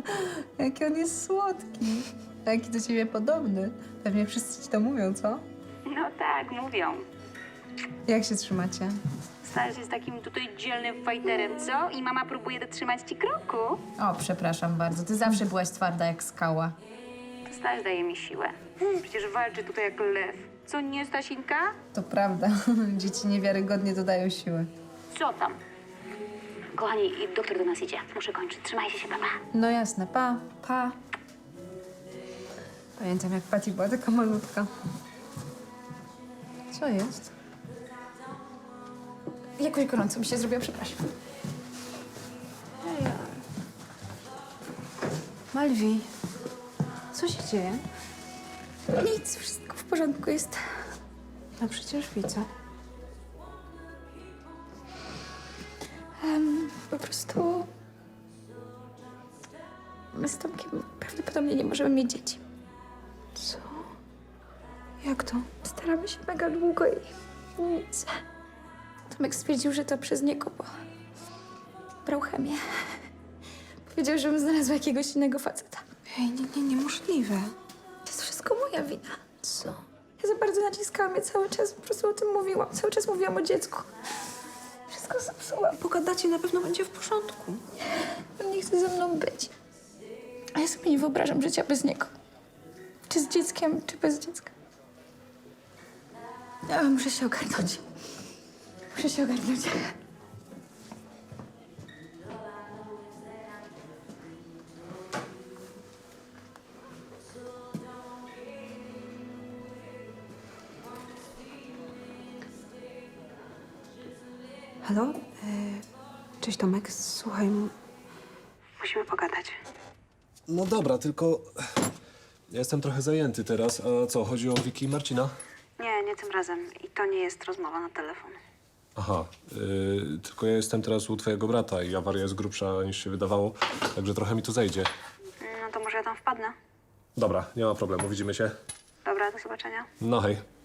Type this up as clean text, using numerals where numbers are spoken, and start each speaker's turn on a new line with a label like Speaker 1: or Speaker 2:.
Speaker 1: Jaki on jest słodki. A jaki do ciebie podobny. Pewnie wszyscy ci to mówią, co?
Speaker 2: No tak, mówią.
Speaker 1: Jak się trzymacie?
Speaker 2: Staś jest takim tutaj dzielnym fajterem, co? I mama próbuje dotrzymać ci kroku.
Speaker 1: O, przepraszam bardzo. Ty zawsze byłaś twarda jak skała.
Speaker 2: To Staś daje mi siłę. Przecież walczy tutaj jak lew. Co nie, Stasinka?
Speaker 1: To prawda. Dzieci niewiarygodnie dodają siły.
Speaker 2: Co tam? Kochani, doktor do nas idzie. Muszę kończyć. Trzymajcie się, papa.
Speaker 1: No jasne. Pa, pa. Pamiętam, jak Patty była taka malutka. Co jest? Jakoś gorąco mi się zrobiło, przepraszam. Hej. Malwi, co się dzieje?
Speaker 3: Nic, wszystko w porządku jest.
Speaker 1: No przecież widzę.
Speaker 3: Po prostu... My z Tomkiem prawdopodobnie nie możemy mieć dzieci.
Speaker 1: Co? Jak to?
Speaker 3: Staramy się mega długo i nic. Tomek stwierdził, że to przez niego, bo brał chemię. Powiedział, żebym znalazła jakiegoś innego faceta.
Speaker 1: Ej, niemożliwe.
Speaker 3: To jest wszystko moja wina.
Speaker 1: Co?
Speaker 3: Ja za bardzo naciskałam, ja cały czas po prostu o tym mówiłam. Cały czas mówiłam o dziecku. Wszystko zepsułam.
Speaker 1: Pogadacie, na pewno będzie w porządku.
Speaker 3: On nie chce ze mną być. A ja sobie nie wyobrażam życia bez niego. Czy z dzieckiem, czy bez dziecka.
Speaker 1: Ja muszę się ogarnąć.
Speaker 3: Muszę się ogarnąć.
Speaker 4: Halo? Cześć Tomek, słuchaj.
Speaker 2: Musimy pogadać.
Speaker 5: No dobra, tylko ja jestem trochę zajęty teraz. A co, chodzi o Wiki i Marcina?
Speaker 2: Nie tym razem. I to nie jest rozmowa na telefon.
Speaker 5: Aha, tylko ja jestem teraz u twojego brata i awaria jest grubsza niż się wydawało, także trochę mi tu zejdzie.
Speaker 2: No to może ja tam wpadnę.
Speaker 5: Dobra, nie ma problemu, widzimy się.
Speaker 2: Dobra, do zobaczenia.
Speaker 5: No hej.